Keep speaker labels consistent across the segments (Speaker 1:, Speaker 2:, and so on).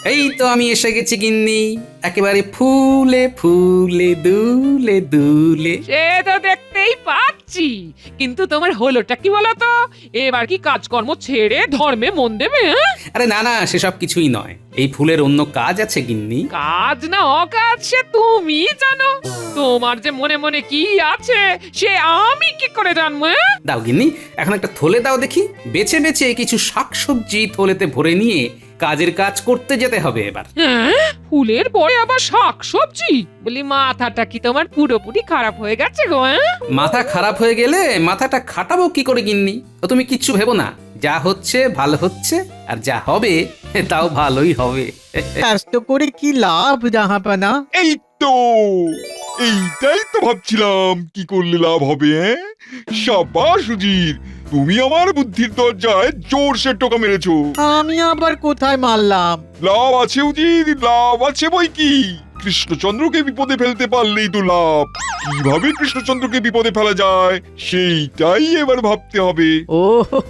Speaker 1: এই তো আমি এসে গেছি গিন্নি, একেবারে ফুলে ফুলে দুলে দুলে।
Speaker 2: সে তো দেখতেই পাচ্ছি, কিন্তু তোমার হলোটা কি বলতো? এবার কি কাজকর্ম ছেড়ে ধর্মে মন দেবে?
Speaker 1: আরে না না, সেসব কিছুই নয়, এই ফুলের অন্য কাজ আছে গিন্নি।
Speaker 2: কাজ না অকাজ সে তুমি জানো। তোমার যে মনে মনে কি আছে সে আমি কি করে জানবো?
Speaker 1: দাও গিন্নি, এখন একটা থলে দাও দেখি, বেছে বেছে কিছু শাকসবজি থলেতে ভরে নিয়ে কাজের কাজ করতে যেতে হবে এবার।
Speaker 2: হ্যাঁ, ফুলের পরে আবার শাকসবজি? বলি মাথাটা কি তোমার পুরোপুরি খারাপ হয়ে গেছে গো?
Speaker 1: মাথা খারাপ হয়ে গেলে মাথাটা খাটাবো কি করে গিন্নি? তো তুমি কিচ্ছু ভেবো না, যা হচ্ছে ভালো হচ্ছে, আর যা হবে তাও ভালোই হবে।
Speaker 3: কষ্ট করে কি লাভ জাহাপানা?
Speaker 4: এই তো এইটাই তো ভাবছিলাম, কি করলে লাভ হবে। সাবাস সুজির, তুমি আমার বুদ্ধির দরজায় জোরসে টোকা মেরেছো।
Speaker 3: আমি আবার কোথায় মারলাম?
Speaker 4: লাভ আছে উজির, লাভ আছে বই কি। কৃষ্ণচন্দ্রকে বিপদে ফেলতে পারলেই তো লাভ। কিভাবে কৃষ্ণচন্দ্রকে বিপদে ফেলা যায় সেইটাই এবার ভাবতে হবে।
Speaker 3: ও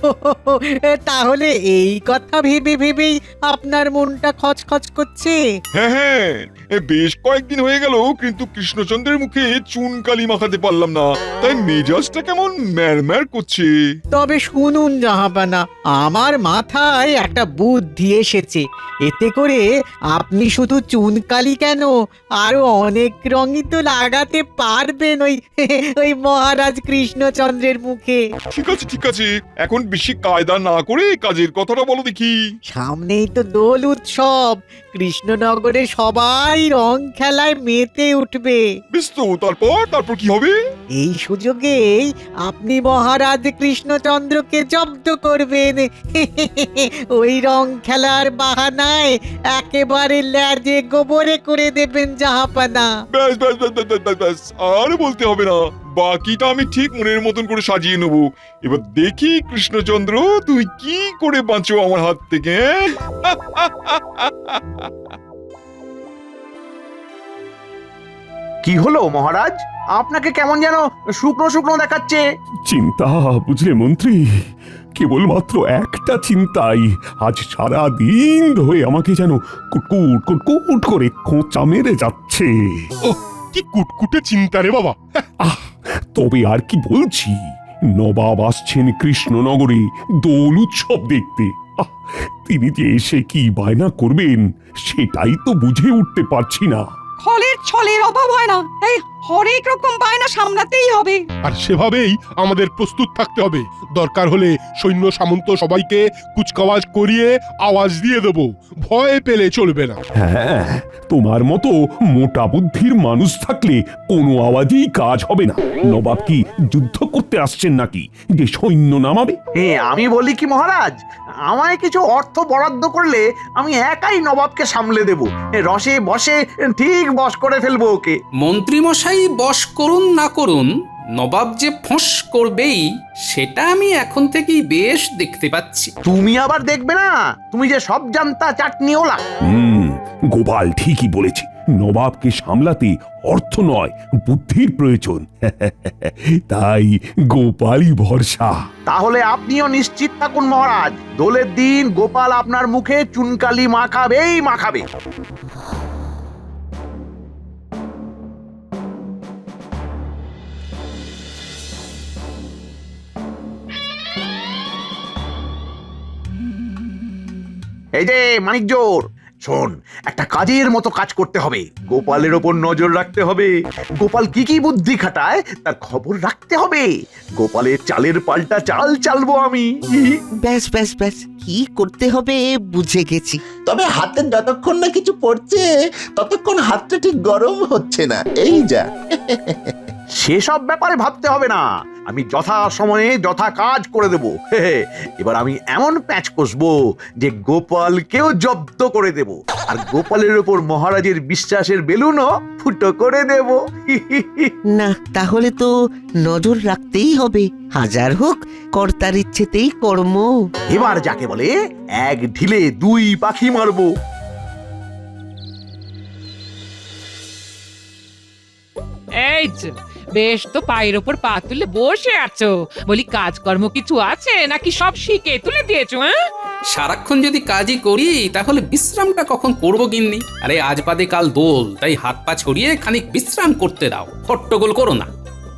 Speaker 3: তাহলে এই কথা ভেবে ভেবেই আপনার মনটা খচখচ করছে।
Speaker 4: হ্যাঁ হ্যাঁ, বেশ কয়েকদিন হয়ে গেল কিন্তু কৃষ্ণচন্দ্রের মুখে চুন কালি মাখাতে পারলাম না, তাই মেজাজটা কেমন ম্যারম্যার করছে।
Speaker 3: তবে শুনুন জাহাপানা, আমার মাথায় একটা বুদ্ধি এসেছে। এতে করে আপনি শুধু চুনকালি কেন, আরো অনেক রঙই তো লাগাতে পারবেন ওই মহারাজ কৃষ্ণচন্দ্রের মুখে।
Speaker 4: ঠিক আছে ঠিক আছে, এখন বেশি কায়দা না করে কাজের কথাটা বলো দেখি।
Speaker 3: সামনেই তো দোল উৎসব, কৃষ্ণনগরে সবাই রং খেলায় মেতে উঠবে।
Speaker 4: বেশ তো, তারপর তারপর কি হবে?
Speaker 3: এই সুযোগেই আপনি মহারাজ কৃষ্ণচন্দ্রকে জব্দ করবেন। ওই রং খেলার বাহানায় একেবারে ল্যাজে গোবরে করে দেবেন জাহাপানা।
Speaker 4: ব্যাস ব্যাস ব্যাস ব্যাস ব্যাস, ব্যাস ব্যাস, আর বলতে হবে না, বাকিটা আমি ঠিক মনের মতন করে সাজিয়ে নেবো। এবার দেখি কৃষ্ণচন্দ্র তুমি কি করে বাঁচো আমার হাত থেকে।
Speaker 5: কি হলো মহারাজ, আপনাকে কেমন যেন শুকনো শুকনো দেখাচ্ছে?
Speaker 6: চিন্তা বুঝলে মন্ত্রী, কেবলমাত্র একটা চিন্তাই আজ সারা দিন ধরে আমাকে যেন কুটকুট কুটকুট করে খোঁচা মেরে যাচ্ছে।
Speaker 7: কি কুটকুটে চিন্তা রে বাবা।
Speaker 6: আহ, তবে আর কি বলছি, নবাব আসছেন কৃষ্ণনগরে দোল উৎসব দেখতে। আহ, তিনি যে এসে কি বায়না করবেন সেটাই তো বুঝে উঠতে পারছি না।
Speaker 8: ফলের ছলের অভাব হয় না, এই হরেক রকম বায়না সামলাতেই হবে।
Speaker 7: আর সেভাবেই আমাদের প্রস্তুত থাকতে হবে। দরকার হলে সৈন্য সামন্ত সবাইকে কুচকাওয়াজ করিয়ে আওয়াজ দিয়ে দেব, ভয় পেলে চলবে না।
Speaker 6: হ্যাঁ, তোমার মতো মোটা বুদ্ধির মানুষ থাকলে কোনো আওয়াজেই কাজ হবে না। নবাব কি যুদ্ধ করতে আসছেন নাকি যে সৈন্য নামাবে?
Speaker 5: আমি বলি কি মহারাজ, আমায় কিছু অর্থ বরাদ্দ করলে আমি একাই নবাবকে সামলে দেব। রসে বসে ঠিক বশ করে ফেলবো ওকে।
Speaker 1: মন্ত্রী মশাই বশ করুন না করুন, নবাব যে ফোঁস করবেই সেটা আমি এখন থেকেই বেশ দেখতে পাচ্ছি।
Speaker 5: তুমি আবার দেখবে না, তুমি যে সব জানতা চাটনিওলা।
Speaker 6: গোপাল ঠিকই বলেছে, নবাবকে সামলাতে অর্থ নয় বুদ্ধির প্রয়োজন। তাই গোপালই ভরসা।
Speaker 5: তাহলে আপনিও নিশ্চিত থাকুন মহারাজ, দোলের দিন গোপাল আপনার মুখে চুনকালি মাখাবেই মাখাবে। এই যে মানিকজোর, শোন, একটা কাজের মতো কাজ করতে হবে। গোপালের ওপর নজর রাখতে হবে, গোপাল কি কি বুদ্ধি খাটায় তার খবর রাখতে হবে। গোপালের চালের পাল্টা চাল চালবো আমি।
Speaker 9: ব্যাস ব্যাস ব্যাস, কি করতে হবে বুঝে গেছি।
Speaker 10: তবে হাতে যতক্ষণ না কিছু পড়ছে ততক্ষণ হাতটা ঠিক গরম হচ্ছে না, এই যা।
Speaker 5: সেসব ব্যাপারে ভাবতে হবে না, আমি যথা সময়ে যথা কাজ করে দেব। এবার আমি এমন প্যাচ কষবো যে গোপালকেও জব্দ করে দেব, আর গোপালের উপর মহারাজের বিশ্বাসের বেলুনও ফুটো করে দেব।
Speaker 9: না, তাহলে তো নজর রাখতেই হবে। হাজার হোক কর্তার ইচ্ছেতেই কর্ম।
Speaker 5: এবার যাকে বলে এক ঢিলে দুই পাখি মারবো।
Speaker 2: এই যে, বেশ তো পায়ের ওপর পা তুলে বসে আছো। বলি কাজকর্ম কিছু আছে নাকি সব শিখে তুলে দিয়েছো?
Speaker 1: সারাক্ষণ যদি কাজই করি তাহলে বিশ্রামটা কখন করবো গিন্নি? আরে আজ বাদে কাল দোল, তাই হাত পা ছড়িয়ে খানিক বিশ্রাম করতে দাও, হট্টগোল করো না।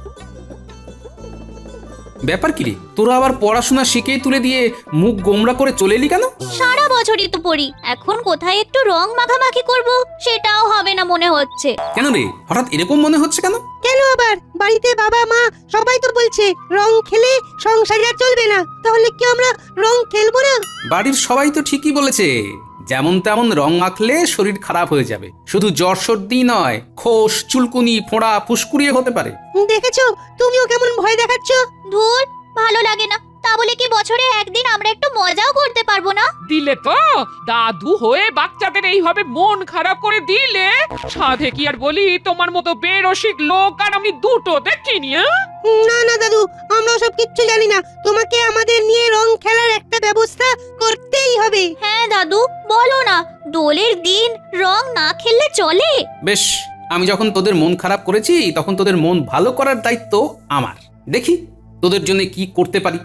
Speaker 1: ব্যাপার কি রে, তোরা আবার পড়াশোনা শিখেই তুলে দিয়ে মুখ গোমরা করে চলে এলি কেন?
Speaker 11: সারা বছরই তো পড়ি, এখন কোথায় একটু রং মাখামাখি করব সেটাও হবে না মনে হচ্ছে।
Speaker 1: কেন রে, হঠাৎ এরকম মনে হচ্ছে কেন?
Speaker 8: কেন আবার? বাড়িতে বাবা মা সবাই তো বলছে রং খেলে সংসার আর চলবে না, তাহলে কি আমরা রং খেলবো না?
Speaker 1: বাড়ির সবাই তো ঠিকই বলেছে, যেমন তেমন রং মাখলে শরীর খারাপ হয়ে যাবে। শুধু জ্বর সর্দি নয়, খোস চুলকুনি ফোঁড়া ফুসকুড়িয়ে হতে পারে।
Speaker 8: দেখেছো, তুমিও কেমন ভয় দেখাচ্ছ।
Speaker 11: ধুর, ভালো লাগে না। তা বলে কি বছরে একদিন আমরা একটু মজাও করতে পারবো না?
Speaker 2: দিলে তো দাদু হয়ে বাচ্চাদের এইভাবে মন খারাপ করে দিলে, সাধে কি আর বলি, তোমার মতো বেরসিক লোক আর আমি দুটো দেখিনি।
Speaker 8: না না দাদু, আমরা সব কিচ্ছু জানি না, তোমাকে আমাদের নিয়ে রং খেলার একটা ব্যবস্থা করতেই হবে।
Speaker 11: হ্যাঁ দাদু, বলো না, দোলের দিন রং না খেললে চলে?
Speaker 1: বেশ, আমি যখন তোদের মন খারাপ করেছি তখন তোদের মন ভালো করার দায়িত্ব আমার। দেখি তোদের জন্য কি করতে পারি।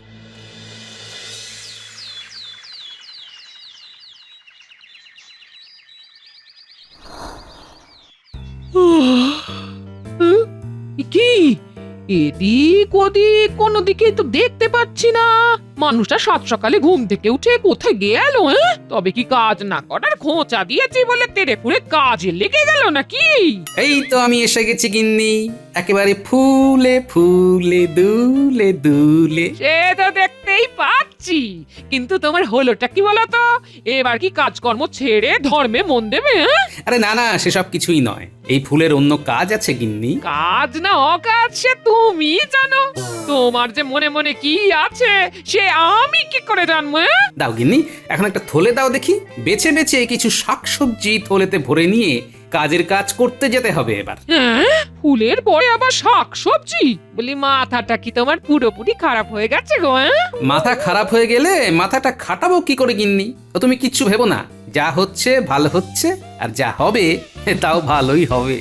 Speaker 2: কি এদিক ওদিক কোনো দিকে তো দেখতে পাচ্ছি না। মানুষটা সাত সকালে ঘুম থেকে উঠে কোথায় গেল? তবে কি কাজ না করার খোঁচা দিয়েছি বলে তেরে পুরে কাজে লেগে গেল নাকি?
Speaker 1: এই তো আমি এসে গেছি গিন্নি, একেবারে ফুলে ফুলে দুলে দুলে।
Speaker 2: সে তো দেখতেই পাচ্ছি, কিন্তু তোমার হলোটা কি বলতো? এবার কি কাজকর্ম ছেড়ে ধর্মে মন দেবে?
Speaker 1: আরে না না, সেসব কিছুই নয়, এই ফুলের অন্য কাজ আছে গিন্নি।
Speaker 2: কাজ না অকাজ সে তুমি জানো। তোমার যে মনে মনে কি আছে সে আমি কি করে জানবো?
Speaker 1: দাও গিন্নি, এখন একটা থলে দাও দেখি। বেছে বেছে কিছু শাকসবজি থলেতে ভরে নিয়ে কাজের কাজ করতে যেতে হবে এবার।
Speaker 2: হ্যাঁ, ফুলের পরে আবার শাক সবজি? বলি মাথাটা কি তোমার পুরোপুরি খারাপ হয়ে গেছে গো?
Speaker 1: মাথা খারাপ হয়ে গেলে মাথাটা খাটাবো কি করে গিন্নি? ও তুমি কিচ্ছু ভেবো না, যা হচ্ছে ভালো হচ্ছে, আর যা হবে তাও ভালোই হবে।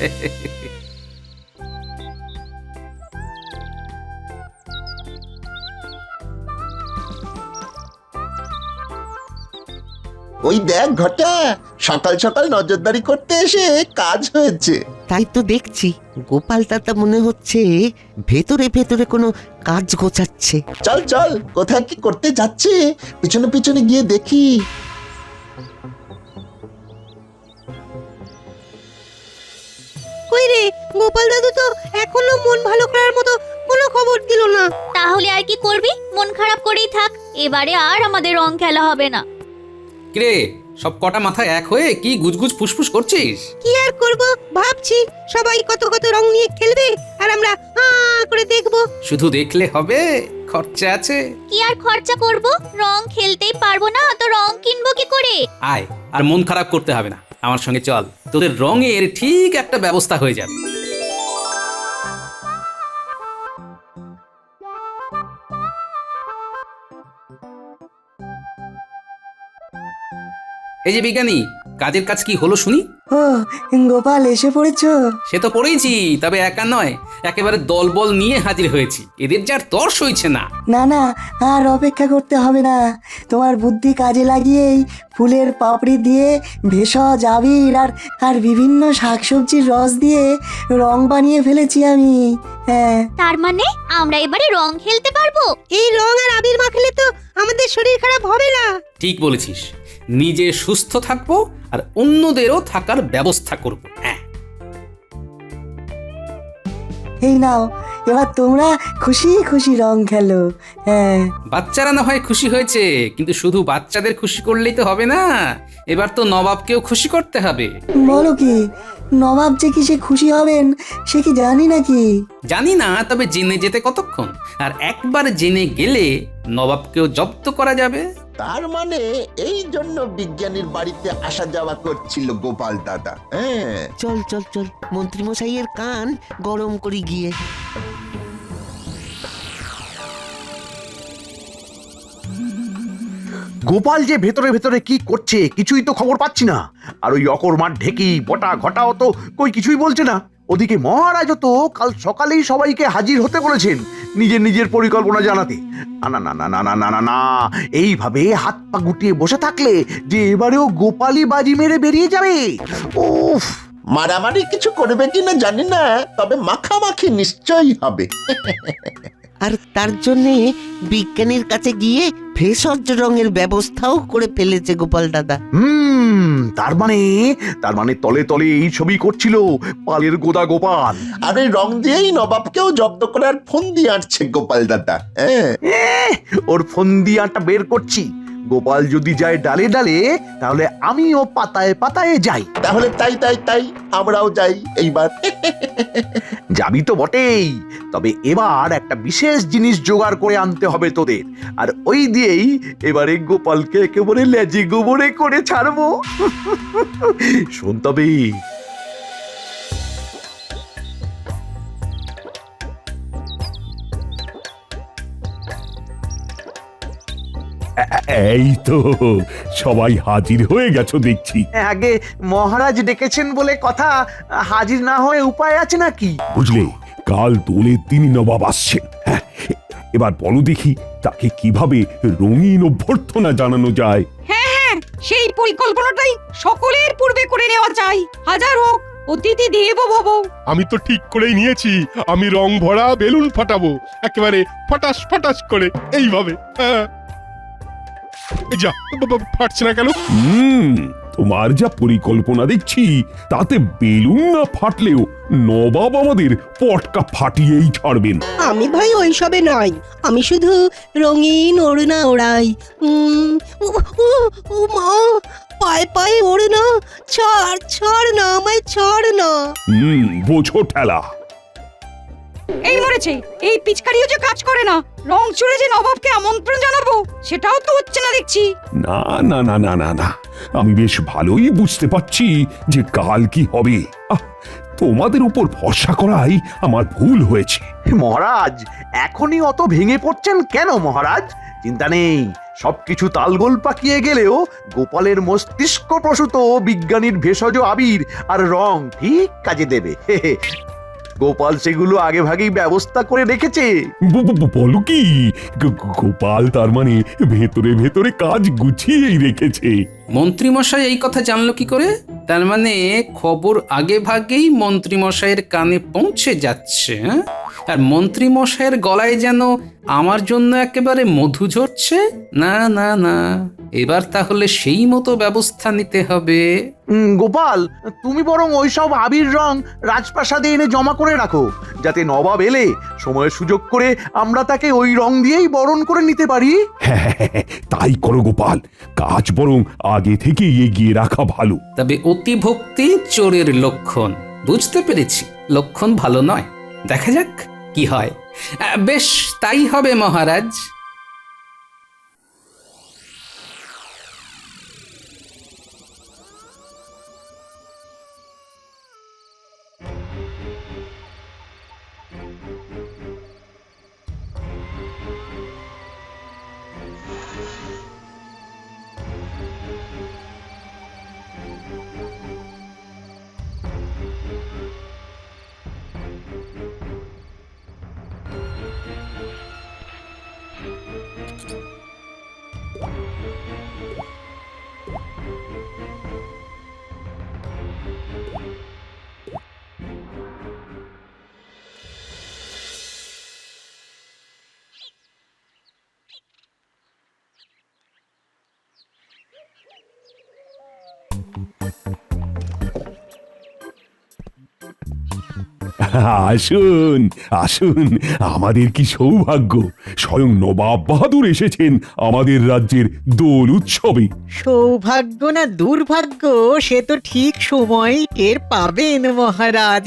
Speaker 10: ওই দেখ ঘটা, সকাল সকাল নজরদারি করতে এসে কাজ হয়েছে।
Speaker 9: তাই তো দেখছি গোপাল দাদা মনে হচ্ছে ভেতরে ভেতরে কোনো কাজ গোছাচ্ছে।
Speaker 10: চল চল, কোথায় কি করতে যাচ্ছে পিছনে পিছনে গিয়ে দেখি।
Speaker 8: কই রে, গোপাল দাদু তো এখনো মন ভালো করার মতো কোনো খবর দিল না।
Speaker 11: তাহলে আর কি করবি? মন খারাপ করেই থাক, এবারে আর আমাদের রং খেলা হবে না।
Speaker 1: কিরে, সব কটা মাথা এক হয়ে কি গুজগুজ ফুসফুস করছিস?
Speaker 8: কি আর করব, ভাবছি সবাই কত কত রং নিয়ে খেলবে আর আমরা করে দেখবো।
Speaker 1: শুধু দেখলে হবে, খরচা আছে।
Speaker 11: কি আর খরচা করব? রং খেলতেই পারবো না তো রং কিনবো কি করে?
Speaker 1: আয়, আর মন খারাপ করতে হবে না, আমার সঙ্গে চল, তোদের রঙের ঠিক একটা ব্যবস্থা হয়ে যাবে। এই যে বিজ্ঞানী, কাজের কাজ কি হলো শুনি?
Speaker 8: ও গোপাল, এসে পড়েছো?
Speaker 1: সে তো পড়েইছি, তবে একা নয়, একেবারে দলবল নিয়ে হাজির হয়েছি। এদের যার তর সইছে না।
Speaker 8: না না, আর অপেক্ষা করতে হবে না, তোমার বুদ্ধি কাজে লাগিয়েই ফুলের পাপড়ি দিয়ে ভেষজ আবির আর বিভিন্ন শাকসবজির রস দিয়ে রং বানিয়ে ফেলেছি আমি। হ্যাঁ,
Speaker 11: তার মানে আমরা এবারে রং খেলতে পারবো?
Speaker 8: এই রং আর আবির মাখলে তো আমাদের শরীর খারাপ হবে না।
Speaker 1: ঠিক বলেছিস, নিজে সুস্থ থাকবো আর অন্যদেরও থাকার ব্যবস্থা করব। হ্যাঁ,
Speaker 8: এই নাও, এবার তোমরা খুশি খুশি রং খেলো। হ্যাঁ,
Speaker 1: বাচ্চারা না হয় খুশি হয়েছে, কিন্তু শুধু বাচ্চাদের খুশি করলেই তো হবে না, এবার তো নবাবকেও খুশি করতে হবে।
Speaker 8: বলো কি, নবাব যে কি সে খুশি হবেন সে কি জানি নাকি?
Speaker 1: জানি না, তবে জেনে যেতে কতক্ষণ, আর একবার জেনে গেলে নবাবকেও জব্দ করা যাবে।
Speaker 10: তার মানে এই জন্য বিজ্ঞানীর বাড়িতে আসা যাওয়া করছিল গোপাল দাদা। হ্যাঁ,
Speaker 9: চল চল চল, মন্ত্রী মশাইয়ের কান গরম করি গিয়ে।
Speaker 5: গোপাল যে ভেতরে ভেতরে কি করছে কিছুই তো খবর পাচ্ছি না। আর ওই অকর্মার ঢেকি বটা ঘটাও তো কই কিছুই বলছে না। ওদিকে মহারাজও তো কাল সকালেই সবাইকে হাজির হতে বলেছেন নিজের নিজের পরিকল্পনা জানাতে। না না না না না না না না, এইভাবে হাত পা গুটিয়ে বসে থাকলে যে এবারেও গোপালই বাজি মেরে বেরিয়ে যাবে। উফ,
Speaker 10: মারামারি কিছু করবে কিনা জানি না, তবে মাখামাখি নিশ্চয়ই হবে।
Speaker 9: আর তার জন্যে বিজ্ঞানীর কাছে গিয়ে ভেষজ রঙের ব্যবস্থাও করে ফেলেছে গোপাল দাদা।
Speaker 5: তার মানে তলে তলে এই ছবি করছিল পালের গোদা গোপাল।
Speaker 10: আর ওই রং দিয়েই নবাবকেও জব্দ করার ফোন দিয়ে আঁটছে গোপাল দাদা। হ্যাঁ,
Speaker 5: ওর ফন্দিয়াটা বের করছি। গোপাল যদি যায় ডালে ডালে, তাহলে আমিও পাতায় পাতায় যাই।
Speaker 10: তাহলে তাই তাই তাই আমরাও যাই এইবার।
Speaker 5: যাবি তো বটেই, তবে এবার একটা বিশেষ জিনিস জোগাড় করে আনতে হবে তোদের, আর ওই দিয়েই এবারে গোপালকে একেবারে লেজে গোবরে করে ছাড়বো। শোন তবে।
Speaker 6: এই তো সবাই হাজির হয়ে গেছো দেখছি।
Speaker 5: আগে মহারাজ ডেকেছেন বলে কথা, হাজির না হয়ে উপায় আছে নাকি?
Speaker 6: বুঝলে, কাল দোলের দিনই নবাব আসছেন। হ্যাঁ, এবার বলো দেখি তাকে কিভাবে রঙিন অভ্যর্থনা জানানো যায়।
Speaker 2: সেই পরিকল্পনাটাই সকলের পূর্বে করে নেওয়া চাই। হাজার হোক অতিথি দেব ভব।
Speaker 7: আমি তো ঠিক করেই নিয়েছি, আমি রং ভরা বেলুন ফাটাবো একেবারে ফটাস ফটাস করে এইভাবে। হ্যাঁ। এই যা, ফাটছে না কেন?
Speaker 6: তোমার যা পরিকল্পনা দেখছি, তাতে বেলুন না ফাটলেও নবাব আমাদের পটকা ফাটিয়েই ছাড়বেন।
Speaker 12: আমি ভাই ওইসবে নয়, আমি শুধু রঙিন ওড়না ওড়াই। মা, পায়ে পায়ে ওড়না, ছাড় ছাড় না, আমায় ছাড় না।
Speaker 6: বোঝো ঠেলা।
Speaker 2: এই মরেছে, এই পিচকারিও যে কাজ করে না। রং চুড়ে যে নবাবকে আমন্ত্রণ জানাবো, সেটাও তো হচ্ছে না দেখছি।
Speaker 6: না না না না না না, আমি বেশ ভালোই বুঝতে পারছি যে কাল কি হবে। তোমাদের উপর ভরসা করাই আমার ভুল হয়েছে।
Speaker 5: মহারাজ, এখনই অত ভেঙে পড়ছেন কেন মহারাজ? চিন্তা নেই, সবকিছু তালগোল পাকিয়ে গেলেও গোপালের মস্তিষ্ক প্রসূত বিজ্ঞানীর ভেষজ আবির আর রং ঠিক কাজে দেবে। গোপাল সেগুলো আগে ভাগেই ব্যবস্থা করে রেখেছে।
Speaker 6: বলো কি, গোপাল তার মানে ভেতরে ভেতরে কাজ গুছিয়েই রেখেছে।
Speaker 1: মন্ত্রীমশাই এই কথা জানলো কি করে? তার মানে খবর আগে ভাগেই মন্ত্রীমশাইয়ের কানে পৌঁছে যাচ্ছে। হ্যাঁ, আর মন্ত্রীমশাইয়ের গলায় যেন আমার জন্য একেবারে মধু ঝরছে। না না না, এবার তাহলে সেই মতো ব্যবস্থা নিতে হবে।
Speaker 5: গোপাল, তুমি বরং ওইসব আবির রং রাজপ্রাসাদে এনে জমা করে রাখো, যাতে নবাব এলে সময় সুযোগ করে আমরা তাকে ওই রং দিয়েই বরণ করে নিতে পারি।
Speaker 6: হ্যাঁ, তাই করো গোপাল, কাজ বরং আগে থেকে এগিয়ে রাখা ভালো।
Speaker 1: তবে অতিভক্তি চোরের লক্ষণ। বুঝতে পেরেছি, লক্ষণ ভালো নয়। দেখা যাক কি হয়। বেশ, তাই হবে মহারাজ।
Speaker 6: আসুন আসুন, আমাদের কি সৌভাগ্য, স্বয়ং নবাব বাহাদুর এসেছেন আমাদের রাজ্যের দোল উৎসবে।
Speaker 3: সৌভাগ্য না দুর্ভাগ্য সে তো ঠিক সময় টের পাবেন মহারাজ।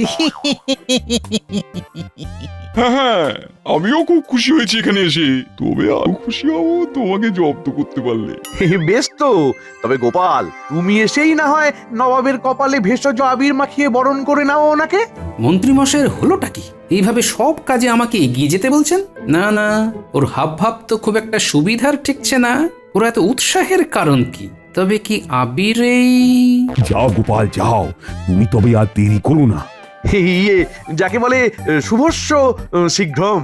Speaker 4: হ্যাঁ, আমিও খুব খুশি হয়েছি এখানে এসে, তবে আরো খুশি হবো তোমাকে জব্দ করতে পারলে।
Speaker 5: বেশ তো, তবে গোপাল, তুমি এসেই না হয় নবাবের কপালে ভেষজ আবির মাখিয়ে বরণ করে নাও ওনাকে।
Speaker 1: মন্ত্রীমশাইয়ের হলোটা কি? এইভাবে সব কাজে আমাকে এগিয়ে যেতে বলছেন? না না, ওর হাবভাব তো খুব একটা সুবিধার ঠেকছে না। ওর এত উৎসাহের কারণ কি? তবে কি আবিরেই?
Speaker 6: যাও গোপাল যাও, তুমি তবে আর দেরি করো না।
Speaker 5: ইয়ে যাকে বলে শুভস্য শীঘ্রম।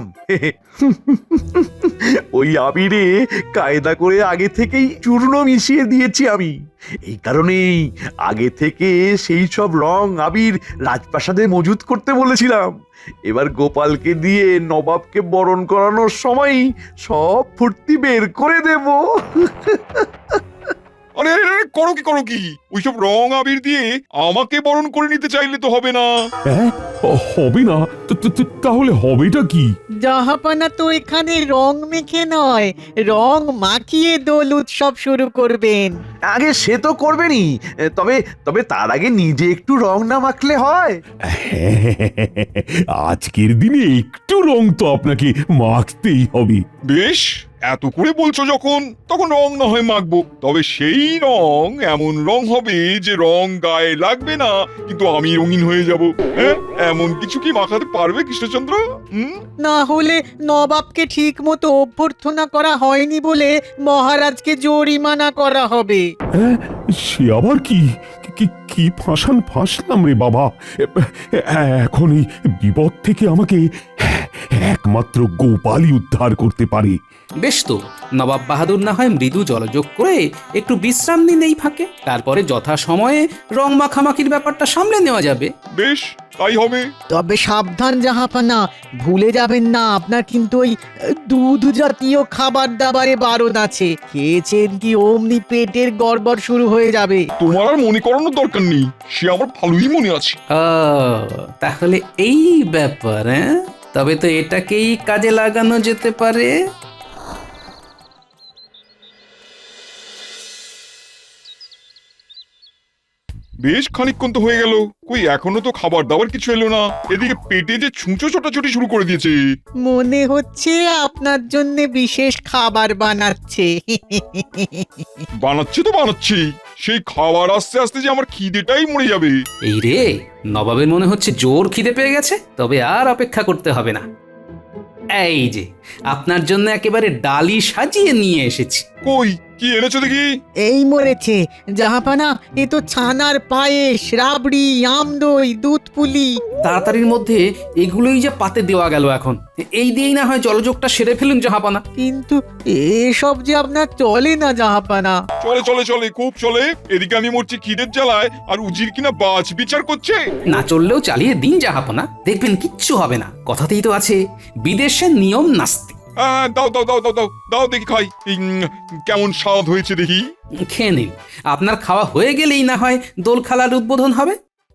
Speaker 5: ওই আবিরে কায়দা করে আগে থেকেই চূর্ণ মিশিয়ে দিয়েছি আমি। এই কারণেই আগে থেকে সেই সব রং আবির রাজপ্রাসাদে মজুত করতে বলেছিলাম। এবার গোপালকে দিয়ে নবাবকে বরণ করানোর সময় সব ফুর্তি বের করে দেব।
Speaker 4: আরে আরে আরে, করো কি ওইসব রং আবির দিয়ে আমাকে বরণ করে নিতে চাইলে তো হবে না।
Speaker 6: হ্যাঁ, হবে না তাহলে হবেটা কি?
Speaker 3: জাহাপানা তো এখানে রং মেখে নয়, রং মাখিয়ে দোল উৎসব শুরু করবেন।
Speaker 5: আগে সে তো করবেনই, তবে তবে তার আগে নিজে একটু রং না মাখলে হয়?
Speaker 6: আজকের দিনে একটু রং তো আপনাকে মাখতেই হবে।
Speaker 4: বেশ, এত করে বলছো যখন, তখন রং না হয় মাখবো। তবে সেই রং এমন রং হবে যে রং গায়ে লাগবে না, কিন্তু আমি রঙিন হয়ে যাব। হ্যাঁ, এমন কিছু কি মাখাতে পারবে কৃষ্ণচন্দ্র?
Speaker 3: না হলে নবাবকে ঠিক মতো অভ্যর্থনা করা হয়নি বলে মহারাজকে জরিমানা করা হবে।
Speaker 6: হ্যাঁ, সে আবার কি কি ফাঁসলাম রে বাবা। এখন এই বিপদ থেকে আমাকে একমাত্র গোপালই উদ্ধার করতে পারে।
Speaker 1: বেশ তো, নবাব বাহাদুর না হয় মৃদু জলযোগ করে একটু বিশ্রাম নিন এই ফাঁকে, তারপরে যথা সময়ে রং মাখামাখির ব্যাপারটা সামলে নেওয়া যাবে।
Speaker 4: বেশ, তাই হবে।
Speaker 3: তবে সাবধান জাহাপানা, ভুলে যাবেন না আপনার কিন্তু ওই দুধ জাতীয় খাবার দাবারে বারণ আছে। খেয়েছেন কি অমনি পেটের গড়বড় শুরু হয়ে যাবে।
Speaker 4: তোমার আর মনে করানোর দরকার নেই, সে আমার ভালোই মনে আছে।
Speaker 1: তাহলে এই ব্যাপার, হ্যাঁ? তবে তো এটাকেই কাজে লাগানো যেতে পারে।
Speaker 4: বেশ খানিকক্ষণ তো হয়ে গেল, কই এখনো তো খাবার দাবার কিছু এলো না। এদিকে পেটে যে ছুঁচো ছোটাছুটি শুরু করে দিয়েছে।
Speaker 3: মনে হচ্ছে আপনার জন্য বিশেষ খাবার বানাচ্ছে।
Speaker 4: বানাচ্ছে তো বানাচ্ছি, সেই খাবার আস্তে আস্তে যে আমার খিদেটাই মরে যাবে।
Speaker 1: এই রে, নবাবের মনে হচ্ছে জোর খিদে পেয়ে গেছে, তবে আর অপেক্ষা করতে হবে না। এই যে আপনার জন্য একেবারে ডালি সাজিয়ে নিয়ে এসেছি।
Speaker 4: কই কি এনেছো দেখি?
Speaker 3: এই মরেছে জাহাপানা, এ তো ছানার পায়েস, রাবড়ি, আমদই, দুধ পুলি।
Speaker 1: তাড়াতাড়ির মধ্যে এগুলোই যে পাতে দেওয়া গেল এখন। এই দিয়েই না হয় জলযোগটা সেরে ফেলুন জাহাপানা।
Speaker 3: কিন্তু এসব যে আপনার চলে না জাহাপানা।
Speaker 4: চলে চলে চলে, খুব চলে। এদিকে আমি মরছি খিদের জ্বালায়, আর উজির কিনা বাজ বিচার করছে।
Speaker 1: না চললেও চালিয়ে দিন জাহাপানা, দেখবেন কিচ্ছু হবে না। কথাতেই তো আছে, বিদেশের নিয়ম নাস্তি।
Speaker 4: দাও দাও দাও দাও দাও দাও দেখি খাই। কেমন স্বাদ হয়েছে দেখি।
Speaker 1: খেয়ে নিন, আপনার খাওয়া হয়ে গেলেই না হয় দোল খেলার উদ্বোধন হবে।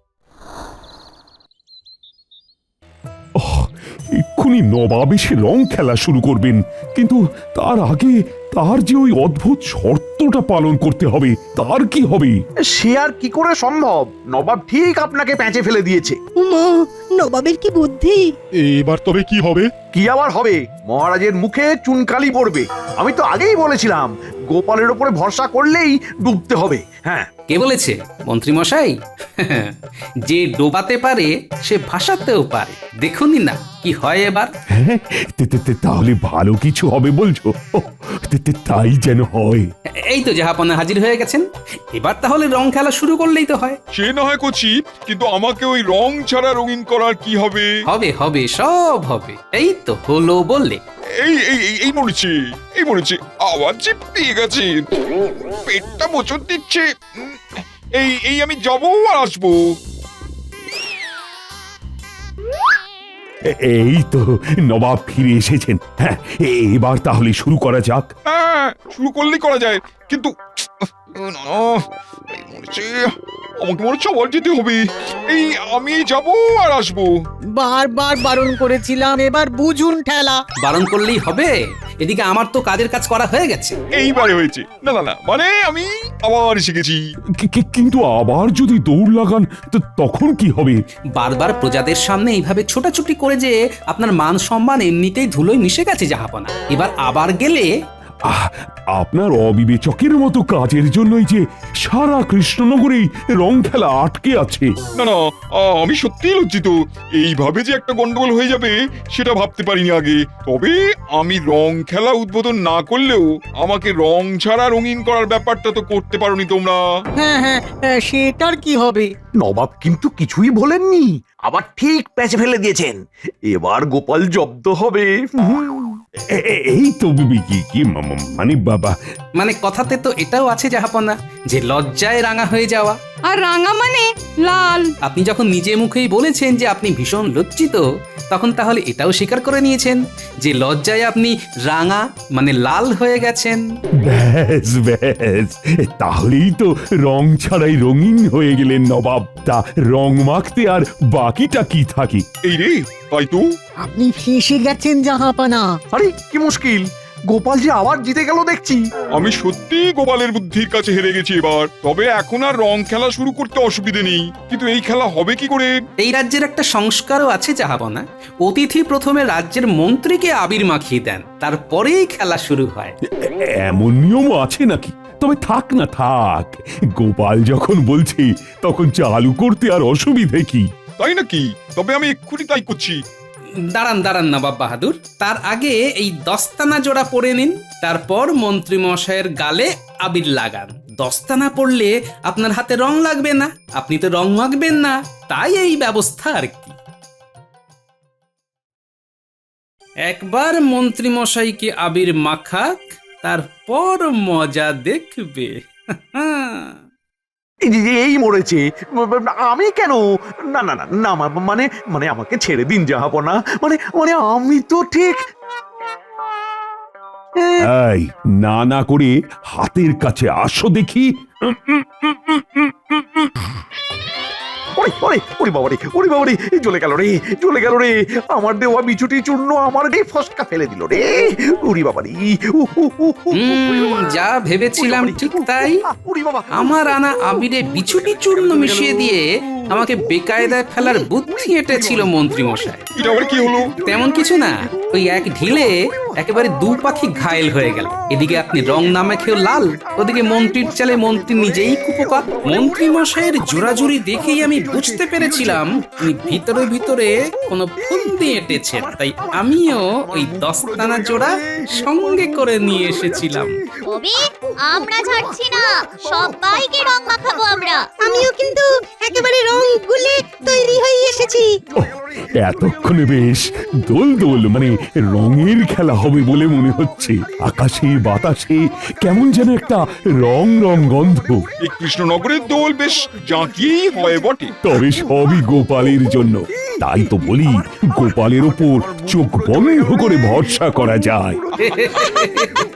Speaker 6: এক্ষুনি নবাব এসে রং খেলা শুরু করবেন, কিন্তু তার আগে তার যে ওই অদ্ভুত শর্তটা পালন করতে হবে, তার কি হবে?
Speaker 5: সে আর কি করে সম্ভব? নবাব ঠিক আপনাকে প্যাঁচে ফেলে দিয়েছে।
Speaker 12: মা, নবাবের কি বুদ্ধি!
Speaker 7: এবার তবে কি হবে?
Speaker 5: কি আবার হবে? মহারাজের মুখে চুনকালি পড়বে। আমি তো আগেই বলেছিলাম, গোপালের ওপরে ভরসা করলেই ডুবতে হবে। হ্যাঁ,
Speaker 1: কে বলেছে? মন্ত্রী মশাই। যে ডোবাতে পারে সে ভাসাতেও পারে, দেখুনই না কি হয় এবার।
Speaker 6: হ্যাঁ, তাহলে ভালো কিছু হবে বলছো? তাই যেন হয়।
Speaker 1: এই তো জাহাপনা হাজির হয়ে গেছেন, এবার তাহলে রং খেলা শুরু করলেই তো হয়।
Speaker 4: সে না হয় করছি, কিন্তু আমাকে ওই রং ছাড়া রঙিন করার কি হবে?
Speaker 1: হবে হবে, সব হবে। এই তো হলো বললে।
Speaker 4: এই এই এই মরেছে, এই মরেছে, আবার যে পেয়ে গেছে, পেটটা মোচড় দিচ্ছে। এই এই আমি যাবো আর আসবো।
Speaker 6: এই তো নবাব ফিরে এসেছেন। হ্যাঁ, এবার তাহলে শুরু করা যাক।
Speaker 4: হ্যাঁ, শুরু করলেই করা যায়, কিন্তু আমাকে মনে হচ্ছে আবার যেতে হবে। এই আমি যাবো আর আসবো।
Speaker 3: বারবার বারণ করেছিলাম, এবার বুঝুন ঠেলা।
Speaker 1: বারণ করলেই হবে? এদিকে আমার তো কাজের কাজ করা হয়ে গেছে।
Speaker 4: এইবারে হয়েছে। না না না, মানে আমি আবার শিখেছি।
Speaker 6: কিন্তু আবার যদি দৌড় লাগান তখন কি হবে?
Speaker 1: বারবার প্রজাদের সামনে এইভাবে ছোটাছুটি করে যে আপনার মান সম্মান এমনিতেই ধুলোয় মিশে গেছে জাহাপনা। এবার আবার গেলে
Speaker 6: আপনার অবিবেচকের মতো কাজের জন্যই যে সারা কৃষ্ণনগরেই রং খেলা আটকে আছে।
Speaker 4: না না, আমি সত্যিই লজ্জিত। এইভাবে যে একটা গন্ডগোল হয়ে যাবে সেটা ভাবতে পারিনি আগে। তবে আমি রং খেলা উদ্বোধন না করলেও আমাকে রং ছাড়া রঙিন করার ব্যাপারটা তো করতে পারোনি তোমরা।
Speaker 3: হ্যাঁ হ্যাঁ, সেটার কি হবে?
Speaker 5: নবাব কিন্তু কিছুই বলেননি, আবার ঠিক প্যাচে ফেলে দিয়েছেন। এবার গোপাল জব্দ হবে।
Speaker 6: এই তো কি মানে বাবা,
Speaker 1: মানে কথাতে তো এটাও আছে জাহাপনা যে লজ্জায় রাঙা হয়ে যাওয়া।
Speaker 12: আর রাঙা মানে লাল।
Speaker 1: আপনি যখন নিজে মুখেই বলেছেন যে আপনি ভীষণ লজ্জিত, তখন তাহলে এটাও স্বীকার করে নিয়েছেন যে লজ্জায় আপনি রাঙা মানে লাল হয়ে গেছেন।
Speaker 6: ব্যাস ব্যাস, তাহলেই তো রং ছাড়াই রঙিন হয়ে গেলেন নবাব। তা রং মাখতে আর বাকিটা কি থাকে?
Speaker 4: এই রে, তাই তো।
Speaker 3: আপনি ফেঁসে গেছেন জাহাপানা।
Speaker 5: আরে কি মুশকিল, গোপাল যে আবার জিতে গেল দেখছি।
Speaker 4: আমি সত্যি গোপালের বুদ্ধির কাছে হেরে গেছি এবার। তবে এখন আর রং খেলা শুরু করতে অসুবিধে নেই, কিন্তু এই খেলা হবে কি করে?
Speaker 1: এই রাজ্যের একটা সংস্কারও আছে জাহাপনা। অতিথি প্রথমে রাজ্যের মন্ত্রীকে আবির মাখিয়ে দেন, তারপরেই খেলা শুরু হয়।
Speaker 6: এমন নিয়মও আছে নাকি? তবে থাক না থাক, গোপাল যখন বলছে তখন চালু করতে আর অসুবিধে কি?
Speaker 4: তাই নাকি? তবে আমি এক্ষুনি তাই করছি।
Speaker 1: দাঁড়ান দাঁড়ান নবাব বাহাদুর, তার আগে এই দস্তানা জোড়া পরে নিন, তারপর মন্ত্রী মশাইয়ের গালে আবির লাগান। দস্তানা পড়লে আপনার হাতে রং লাগবে না, আপনি তো রং মাখবেন না, তাই এই ব্যবস্থা আর কি। একবার মন্ত্রী মশাইকে আবির মাখাক, তারপর মজা দেখবে।
Speaker 5: এই মরেছে। আমি কেন? না না না না, মানে মানে আমাকে ছেড়ে দিন জাহাপনা। মানে মানে আমি তো ঠিক।
Speaker 6: এই না না করে হাতের কাছে আসো দেখি।
Speaker 5: ওরে বাবারে, ওরে বাবারে, জ্বলে গেল রে, জ্বলে গেল রে। আমার দেওয়া বিছুটি চূর্ণ আমার রে ফসকা ফেলে দিল রে। ওরে বাবারে,
Speaker 1: যা ভেবেছিলাম ঠিক তাই। আমার আনা আবিরে বিছুটি চূর্ণ মিশিয়ে দিয়ে আমাকে বেকায়দায় ফেলার বুদ্ধি এঁটেছিল মন্ত্রী মশাই।
Speaker 4: এটা আবার কি হলো?
Speaker 1: তেমন কিছু না, ওই এক ঢিলে একেবারে দু পাখি ঘায়েল হয়ে গেল। এদিকে আপনি রং না মেখেও লাল, ওদিকে মন্ত্রীর চালে মন্ত্রী নিজেই কুপোকাত। মন্ত্রী মশাইয়ের জোরাজুরি দেখেই আমি বুঝতে পেরেছিলাম উনি ভিতরে ভিতরে কোনো ফন্দি এঁটেছেন। তাই আমিও ওই দস্তানা জোড়া সঙ্গে করে নিয়ে এসেছিলাম।
Speaker 11: তবে আমরা ছাড়ছি না, সবাইকে রং মাখাবো আমরা।
Speaker 12: আমিও কিন্তু একেবারে রং গুলে তৈরি হয়ে এসেছি।
Speaker 6: এতক্ষণে বেশ দোল দোল মানে রঙের খেলা হবে বলে মনে হচ্ছে। আকাশে বাতাসে কেমন যেন একটা রং রং গন্ধ।
Speaker 4: এই কৃষ্ণনগরের দোল বেশ জাঁকিয়েই হয় বটে।
Speaker 6: তবে সবই গোপালের জন্য। তাই তো বলি, গোপালের ওপর চোখ বন্ধ করে ভরসা করা যায়।